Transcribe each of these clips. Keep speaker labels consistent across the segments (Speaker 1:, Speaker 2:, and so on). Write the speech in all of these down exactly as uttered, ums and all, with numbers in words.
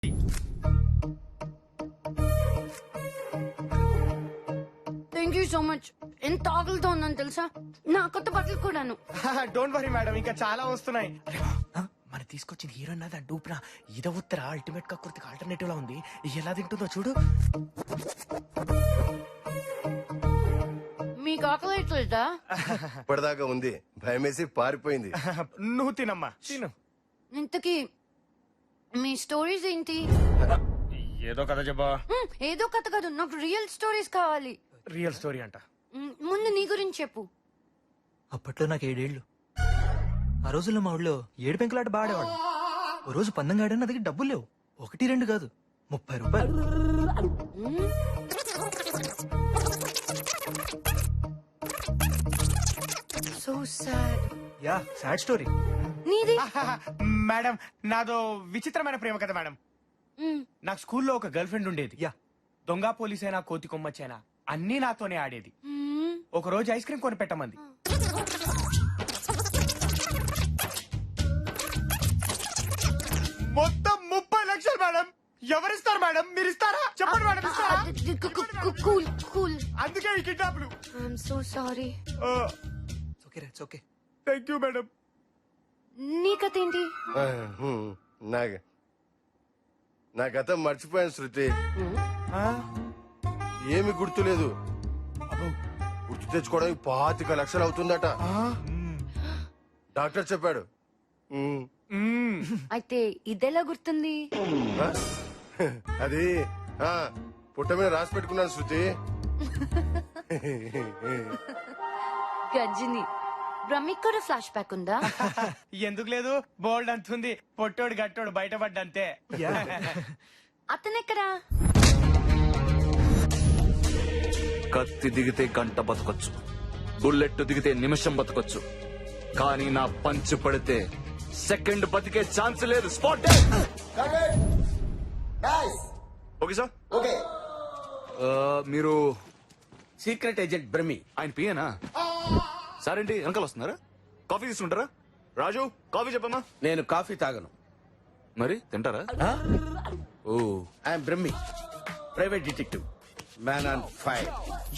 Speaker 1: Thank you so much. ఎంత ఆకలితో ఉందని తెలుసా, నా కొత్త బట్టలు కూడాను.
Speaker 2: డోంట్ వరీ మేడం, ఇంకా చాలా వస్తున్నాయి. మన తీసుకొచ్చిన హీరోయిన్ అది డూప్రా ఇద ఉత్తర అల్టిమేట్ గా కుర్తికి ఆల్టర్నేటివ్ లా ఉంది. ఎలా తింటుందో చూడు.
Speaker 1: మీకు ఆకలి ఎట్లేదా?
Speaker 3: ఇప్పటిదాకా ఉంది, భయమేసి పారిపోయింది.
Speaker 2: నువ్వు తినమ్మా, తిను.
Speaker 1: ఇంతకీ మీ స్టోరీస్ ఏంటి?
Speaker 2: ఏదో కథ చెప్పా.
Speaker 1: హ్మ్, ఏదో కథ కాదు, నాకు రియల్ స్టోరీస్ కావాలి.
Speaker 2: రియల్ స్టోరీ అంట.
Speaker 1: మ్, ముందు నీ గురించి చెప్పు.
Speaker 4: అప్పట్లో నాకు ఏడేళ్లు. ఆ రోజుల్లో మా ఊళ్ళో ఏడు పెంకులాట బాడేవాడు. ఓ రోజు పందెం గాడని నా దగ్గర డబ్బులు లేవు. ఒకటి రెండు కాదు, ముప్పై రూపాయలు.
Speaker 1: So sad.
Speaker 4: Yeah, sad story.
Speaker 1: నీది?
Speaker 2: మేడం, నాదో విచిత్రమైన ప్రేమ కథ మేడం.
Speaker 1: మ్,
Speaker 2: నాకు స్కూల్లో ఒక గర్ల్ ఫ్రెండ్ ఉండేది.
Speaker 4: యా.
Speaker 2: దొంగ పోలీసైనా కోతి కొమ్మచ్చైనా అన్నీ నాతోనే ఆడేది.
Speaker 1: మ్,
Speaker 2: ఒక రోజు ఐస్ క్రీమ్ కొని పెట్టమంది. మొత్తం ముప్పై లక్షలు మేడం. ఎవరిస్తారు మేడం? మీరు ఇస్తారా? చెప్పండి మేడం, ఇస్తారా?
Speaker 1: అది- కు- కు- కు- కూల్ కూల్.
Speaker 2: అందుకే ఈ కిడ్నాప్లు.
Speaker 1: I'm so sorry.
Speaker 4: ఓకే రే, ఓకే.
Speaker 2: Thank you madam.
Speaker 1: నీ కథ ఏంటి?
Speaker 3: ఆ, హ్మ్, నా నా గతం మర్చిపోయాను శృతి. ఏమి గుర్తులేదు. గుర్తు తెచ్చుకోవడానికి పాతిక లక్షలు అవుతుందట. డాక్టర్ చెప్పాడు. ఉమ్,
Speaker 1: అయితే ఇదెలా గుర్తుంది?
Speaker 3: ఆ? అది ఆ, పుట్ట మీద రాసి పెట్టుకున్నాను శృతి.
Speaker 1: గజ్జిని. బ్రహ్మిక్ కూడా ఫ్లాష్ బ్యాక్ ఉందా?
Speaker 2: ఎందుకు లేదు? బోల్డ్ అంతుంది. పొట్టోడు గట్టోడు బయటపడ్డంతే.
Speaker 1: అతనెక్కడా?
Speaker 5: కత్తి దిగితే గంట బతకొచ్చు, బుల్లెట్ దిగితే నిమిషం బతకొచ్చు, కానీ నా పంచ్ పడితే సెకండ్ బతికే ఛాన్స్ లేదు. స్పాట్. Okay sir.
Speaker 6: ఓకే.
Speaker 5: మీరు
Speaker 6: సీక్రెట్ ఏజెంట్ బ్రహ్మి.
Speaker 5: ఆయన పియేనా? సార్ ఏంటి వెనకాల వస్తున్నారా? కాఫీ తీసుకుంటారా? రాజు, కాఫీ చెప్పమ్మా.
Speaker 6: నేను కాఫీ తాగను.
Speaker 5: మరి తింటారా? Oh,
Speaker 6: I'm Brahmi, private detective, man on fire.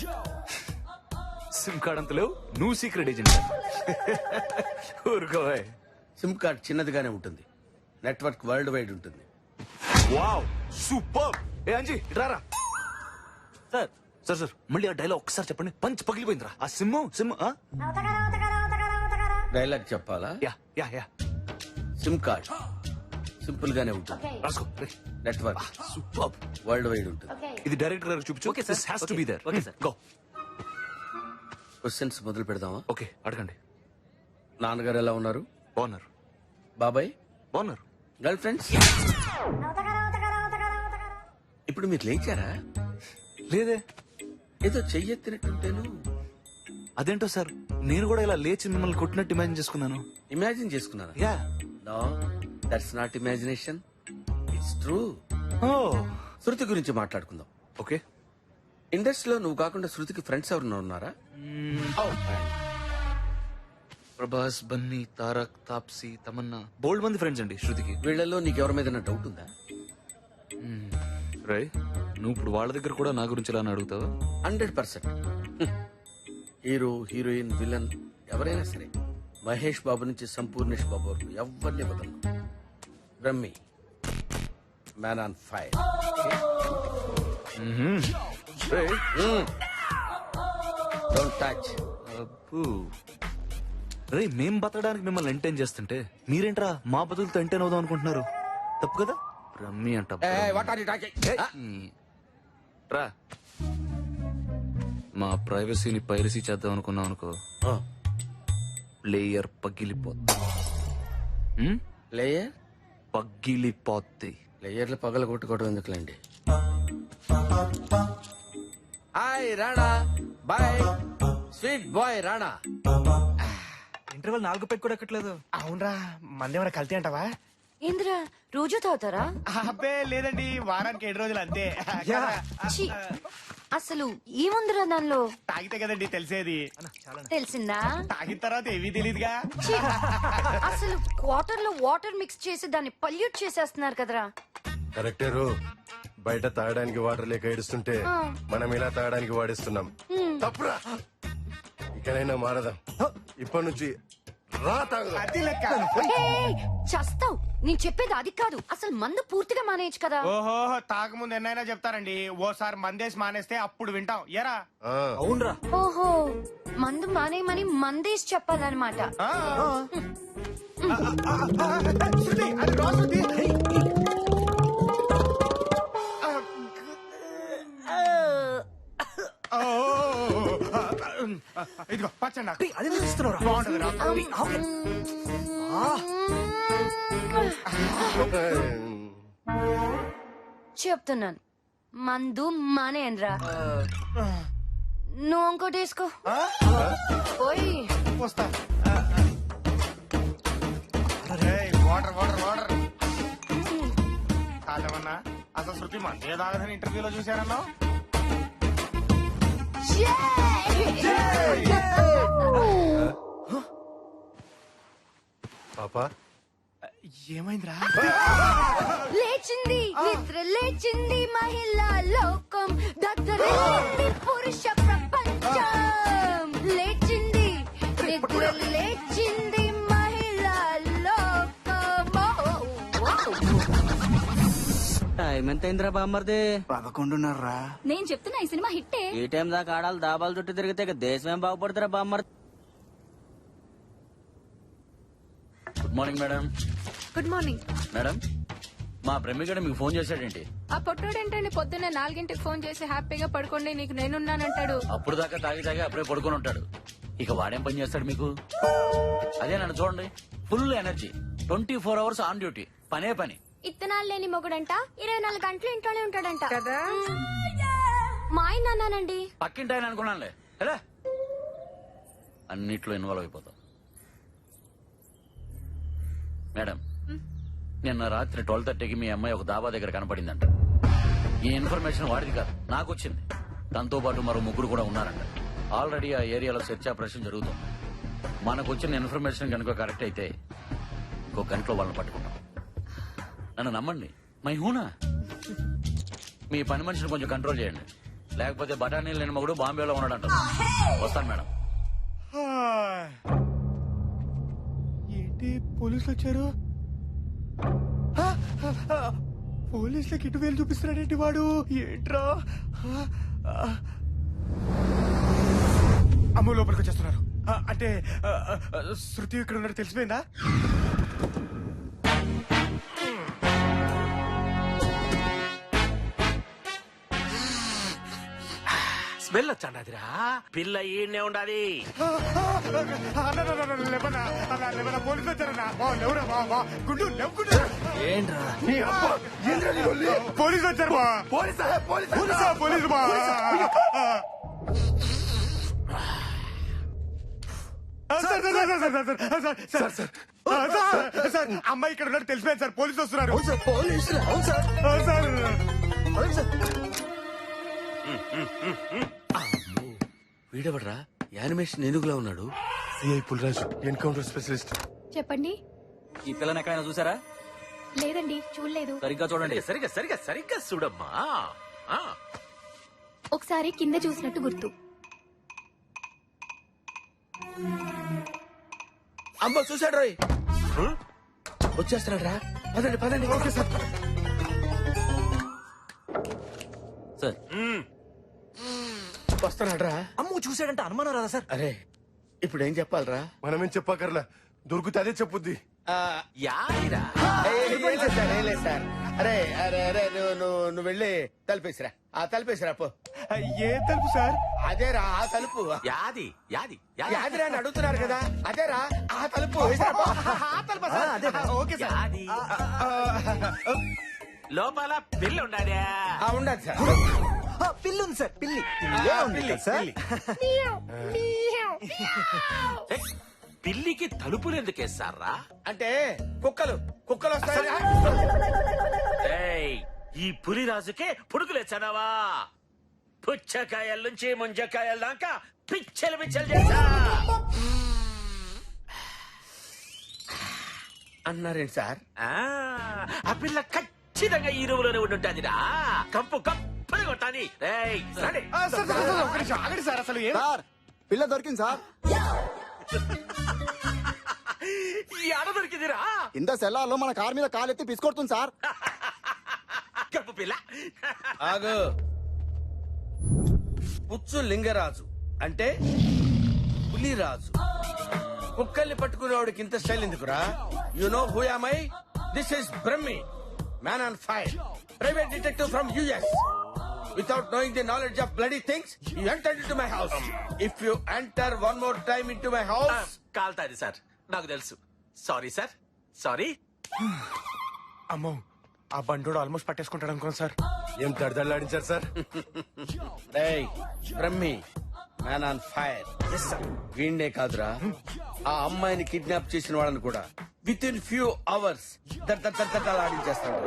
Speaker 5: SIM card అంత లేవు, నువ్వు సీక్రెట్ ఏజెంట్. ఊరుకోవే.
Speaker 6: సిమ్ కార్డ్ చిన్నదిగానే ఉంటుంది, నెట్వర్క్ వరల్డ్ వైడ్ ఉంటుంది.
Speaker 5: Wow, super. ఏ అంజీ ఇట్రారా.
Speaker 4: సార్,
Speaker 5: సార్ సార్ మళ్ళీ ఆ డైలాగ్ ఒక్కసారి చెప్పండి. పంచ్ పగిలిపోయిందిరా. ఆ సిమ్ సిమ్ ఆ?
Speaker 6: డైలాగ్ చెప్పాలా?
Speaker 5: Yeah yeah yeah
Speaker 6: SIM card simple గానే ఉంటుంది,
Speaker 5: రాసుకో.
Speaker 6: Network
Speaker 5: super.
Speaker 6: వరల్డ్ వైడ్ ఉంటుంది.
Speaker 5: ఇది డైరెక్టర్ గారికి చూపించు.
Speaker 4: Okay sir.
Speaker 5: This has to be there.
Speaker 4: Okay sir.
Speaker 5: Go.
Speaker 6: Questions మొదలు పెడదామా?
Speaker 5: ఓకే అడగండి.
Speaker 6: నాన్నగారు ఎలా ఉన్నారు?
Speaker 5: బాగున్నారు.
Speaker 6: బాబాయ్?
Speaker 5: బాగున్నారు.
Speaker 6: Girlfriends? ఇప్పుడు మీరు లేచారా?
Speaker 5: లేదే.
Speaker 6: ఏదో చెయ్యెత్తినట్టుంటేను.
Speaker 5: అదేంటో సార్, నేను కూడా ఇలా లేచి మిమ్మల్ని కొట్టినట్టు ఇమాజిన్ చేసుకున్నాను.
Speaker 6: ఇమాజిన్ చేసుకున్నారా?
Speaker 5: Yeah.
Speaker 6: No, that's not imagination, it's true.
Speaker 5: ఓ
Speaker 6: శృతి గురించి మాట్లాడుకుందాం.
Speaker 5: ఓకే.
Speaker 6: ఇండస్ట్రీలో నువ్వు కాకుండా శృతికి ఫ్రెండ్స్ ఎవరన్నా ఉన్నారా? Oh, fine.
Speaker 5: ప్రభాస్, బన్నీ, తారక్, తాప్సీ, తమన్నా, బోల్డ్ మంది ఫ్రెండ్స్ అండి శృతికి.
Speaker 6: వీళ్ళలో నీకు ఎవరి మీద డౌట్ ఉందా?
Speaker 5: రై, నువ్వు ఇప్పుడు వాళ్ళ దగ్గర కూడా నా గురించి ఇలా అడుగుతావా?
Speaker 6: Hundred percent. Hero, heroine, villain ఎవరైనా సరే, మహేష్ బాబు నుంచి సంపూర్ణేష్ బాబు వరకు ఎవరిని వదలను. Brahmi, man on fire.
Speaker 5: రేయ్,
Speaker 6: డోంట్ టచ్.
Speaker 5: అబ్బో. రేయ్, మేం బతకడానికి మిమ్మల్ని ఎంటైన్ చేస్తుంటే మీరేంట్రా మా బతుకులతో ఎంటైన్ అవుదాం అనుకుంటున్నారు? తప్పు కదా. రమ్మి అంట.
Speaker 6: What are you talking?
Speaker 5: రా, మా ప్రైవసీని పైరసీ చేద్దాం అనుకున్నాం అనుకో, ప్లేయర్ పగిలిపోద్ది. హ్మ్?
Speaker 6: లేయర్
Speaker 5: పగిలిపోద్ది.
Speaker 6: లేయర్లు పగల కొట్టుకోవడం ఎందుకులేండి. Hi Rana, boy sweet boy Rana.
Speaker 4: Interval నాలుగు పెట్టి కూడా ఎక్కట్లేదు.
Speaker 2: అవునరా, మందేమైనా కల్తీ అంటావా?
Speaker 1: ఏంద్రా, రోజు తాగుతారా?
Speaker 2: అబ్బే లేదండి, వారానికి ఏడు రోజులు అంతే.
Speaker 1: ఛీ, అసలు ఏముందిరా దానిలో?
Speaker 2: తాగితే కదండి తెలిసేది.
Speaker 1: తెలిసిందా?
Speaker 2: తాగిన తర్వాత ఏవీ తెలియదుగా.
Speaker 1: ఛీ, అసలు వాటర్ లో వాటర్ మిక్స్ చేసి దాన్ని పల్యూట్ చేసేస్తున్నారు కదరా.
Speaker 3: కరెక్టేరు బయట తాగడానికి వాటర్ లేక ఏడుస్తుంటే మనం ఇలా తాగడానికి వాడిస్తున్నాం తప్పురా ఇకనైనా మారదాం ఇప్పటి నుంచి రా తాగుదాం
Speaker 2: అది లెక్క
Speaker 1: ఏయ్, చస్తావ్ నేను చెప్పేది అది కాదు అసలు మందు పూర్తిగా మానేయచ్చు కదా
Speaker 2: ఓహో తాగముందు ఎన్నైనా చెప్తారండి ఓసారి మందేసి మానేస్తే అప్పుడు వింటాం ఎరా
Speaker 3: ఆ,
Speaker 4: అవునరా
Speaker 1: ఓహో మందు మానేయమని మందేసి చెప్పాలన్నమాట
Speaker 2: ఆ. శృతి, అది రా శృతి. ఆ, ఓ, ఇదిగో పచ్చండి నాకు.
Speaker 4: అది ఇస్తున్నారా
Speaker 2: బాగుంటది రా.
Speaker 1: చెప్తున్నాను మందు మానేయనరా నువ్వు ఇంకోటి వేసుకో
Speaker 2: ఆ?
Speaker 1: పోయి
Speaker 2: వస్తా ఏయ్, వాటర్ వాటర్ వాటర్ కాదేమన్నా అసలు శృతి మందే తాగదని ఇంటర్వ్యూలో చూశారన్నా
Speaker 3: పాపా
Speaker 2: ఏమైందిరా
Speaker 1: లేచింది నిద్ర లేచింది మహిళా లోకం దద్దరిల్లింది పురుష ప్రపంచం లేచింది నిద్ర లేచింది మహిళా లోకం
Speaker 7: టైం ఎంత అయిందిరా బామ్మర్ది
Speaker 8: పదకొండున్నర్రా
Speaker 9: నేను చెప్తున్నా ఈ సినిమా హిట్టే
Speaker 7: ఈ టైం దాకా ఆడాలి దాబాలు చుట్టూ తిరిగితే ఇక దేశం ఏం బాగుపడుతురా బామ్మర్ది
Speaker 5: good morning madam.
Speaker 9: Good morning
Speaker 5: madam మా ప్రేమికుడు మీకు ఫోన్ చేశాడేంటి?
Speaker 9: ఆ పొట్టోడు ఏంటండి పొద్దున్నే నాలుగింటికి ఫోన్ చేసి హ్యాపీగా పడుకోండి నీకు నేనున్నానంటాడు
Speaker 5: అప్పుడు దాకా తాగి తాగి అప్పుడే పడుకొని ఉంటాడు. ఇక వాడేం పని చేస్తాడు మీకు? అదే నన్ను చూడండి, full energy, twenty four hours on duty, పనే పని.
Speaker 1: ఇత్తనాలు లేని మొగుడంట ఇరవై నాలుగు గంటలు ఇంట్లోనే ఉంటాడంట
Speaker 9: కదా
Speaker 1: మా ఆయన అన్నానండి
Speaker 5: పక్కింటి ఆయన అనుకున్నానులే. ఎలా అన్నిట్లో ఇన్వాల్వ్ అయిపోతాం. మేడం నిన్న రాత్రి ట్వెల్వ్ థర్టీకి మీ అమ్మాయి ఒక దాబా దగ్గర కనపడిందంట. ఈ ఇన్ఫర్మేషన్ వాడిది కాదు, నాకు వచ్చింది. దాంతో పాటు మరో ముగ్గురు కూడా ఉన్నారంట. ఆల్రెడీ ఆ ఏరియాలో సెర్చ్ ఆపరేషన్ జరుగుతుంది. మనకు వచ్చిన ఇన్ఫర్మేషన్ కనుక కరెక్ట్ అయితే ఇంకో గంటలో వాళ్ళని పట్టుకుంటాం. నన్ను నమ్మండి, మై హూనా. మీ పని మనిషిని కొంచెం కంట్రోల్ చేయండి, లేకపోతే బఠానీలు లేని మగుడు బాంబేలో ఉన్నాడంట. వస్తాను మేడం.
Speaker 2: ఏంటి పోలీసులు వచ్చారు? ఆ, ఆ, పోలీసులకి ఇటు వేలు చూపిస్తున్నాడేంటి వాడు? ఏంట్రా? ఆ, ఆ. అమ్మ లోపలికి వచ్చేస్తున్నారు. ఆ, అంటే ఆ, ఆ, శృతి ఇక్కడ ఉన్నట్టు తెలిసిపోయిందా?
Speaker 6: స్మెల్ వచ్చాడిరా పిల్ల ఈయనే ఉండాలి.
Speaker 2: ఆ, ఆ, అన్న, అన్న, అన్న, లేవనా? అన్న, లేవనా? పోలీసులు వచ్చారన్నా? వా, లేవురా, వా, వా. గుండు, లేవు, గుండు.
Speaker 4: ఏంట్రా
Speaker 3: నీ అబ్బా, ఏందిరా నీ లొల్లి?
Speaker 2: పోలీసులు వచ్చారు బా.
Speaker 3: పోలీసా పోలీసా
Speaker 2: పోలీసా పోలీసు బా. ఆ, sir, sir, sir, sir, sir, sir, sir, sir, ఆ, సార్, సార్, అమ్మాయి ఇక్కడ ఉన్నట్టు తెలిసిపోయింది సార్. పోలీసులు వస్తున్నారు.
Speaker 4: అవును సార్ పోలీసులు అవును సార్
Speaker 2: ఆ, సార్
Speaker 4: అవును సార్
Speaker 6: వీడెవడరా యానిమేషన్ ఏనుగులా ఉన్నాడు?
Speaker 3: CI Pulraju encounter specialist.
Speaker 9: చెప్పండి
Speaker 5: ఈ పిల్లని ఎక్కడైనా చూసారా?
Speaker 9: లేదండి చూడలేదు
Speaker 5: సరిగ్గా చూడండి.
Speaker 6: సరిగా సరిగా సరిగ్గా చూడమ్మా. ఆ,
Speaker 9: ఒకసారి కింద చూసినట్టు గుర్తు
Speaker 6: అమ్మ చూసాడు రోయ్, వచ్చేస్తున్నాడు రా. పదండి పదండి. Okay sir.
Speaker 5: సార్
Speaker 6: వస్తున్నాడు రా.
Speaker 4: అమ్ము చూసాడంటే అనుమానం రాదా సార్?
Speaker 6: అరే ఇప్పుడు ఏం చెప్పాలరా?
Speaker 3: మనమేం చెప్పకర్లా, దొరికితే అదే చెప్పుద్ది.
Speaker 6: యాదిరా సార్. అరే అరే అరే నువ్వు నువ్వు నువ్వు వెళ్ళి తలుపేసిరా. ఆ తలుపేసిరా పో.
Speaker 2: ఏ తలుపు సార్?
Speaker 6: అదేరా ఆ తలుపు.
Speaker 5: యాది యాది
Speaker 6: యాదిరా అని అడుగుతున్నారు కదా, అదేరా ఆ తలుపు. వేసిరా పో.
Speaker 2: ఆ తలుపా సార్? ఆ, ఓకే సార్.
Speaker 5: యాది
Speaker 2: ఆ, ఆ,
Speaker 5: లోపల పిల్ల ఉండాలి.
Speaker 6: ఆ, ఉండదు సార్.
Speaker 4: ఆ, పిల్లి ఉంది సార్ పిల్లి
Speaker 6: ఆ,
Speaker 4: ఉంది
Speaker 6: పిల్లి,
Speaker 4: కదా సార్
Speaker 5: పిల్లికి తలుపులు ఎందుకు వేస్తారా?
Speaker 6: అంటే కుక్కలు కుక్కలు వస్తాయి.
Speaker 5: ఏయ్, ఈ పులిరాజుకే పుడుకులేచ్చానావా? పుచ్చకాయల నుంచి ముంజకాయల దాకా పిచ్చలు పిచ్చలు చేశా.
Speaker 6: అన్నారేంటి సార్?
Speaker 5: ఆ, ఆ పిల్ల కట్
Speaker 6: ఖచ్చితంగా ఈ రూమ్ లోనే ఉండుంటాదిరా. కంపు కంపని కొట్టాలి. రేయ్, రండి.
Speaker 2: ఆ, సార్, సార్, సార్, ఒక్క నిమిషం ఆగండి సార్. అసలు ఏం
Speaker 8: సార్ పిల్ల దొరికింది సార్.
Speaker 6: ఈ ఆడ దొరికిందిరా.
Speaker 8: ఇంత సెల్లార్లో మన కార్ మీద కాలెత్తి పిసుకొడుతుంది సార్.
Speaker 6: కప్పు పిల్ల. ఆగు. పుచ్చు లింగరాజు అంటే పులిరాజు. కుక్కల్ని పట్టుకునేవాడికి ఇంత స్టైల్ ఎందుకురా? You know who am I? This is Brahmi, man on fire, private detective from US. Without knowing the knowledge of bloody things, you entered into my house. If you enter one more time into my house,
Speaker 10: కాల్తాది sir, నాకు తెలుసు. Sorry sir, sorry.
Speaker 2: అమ్మో, ఆ బండోడు almost పట్టేసుకుంటాడు అనుకోండి sir.
Speaker 3: ఏం తడదళ్ళాడించారు sir?
Speaker 6: రేయ్ Brahmi, man on fire. వీణ్డే కాదురా, ఆ అమ్మాయిని కిడ్నాప్ చేసిన వాళ్ళని కూడా విత్ ఇన్ ఫ్యూ అవర్స్ ఆడించేస్తాడు.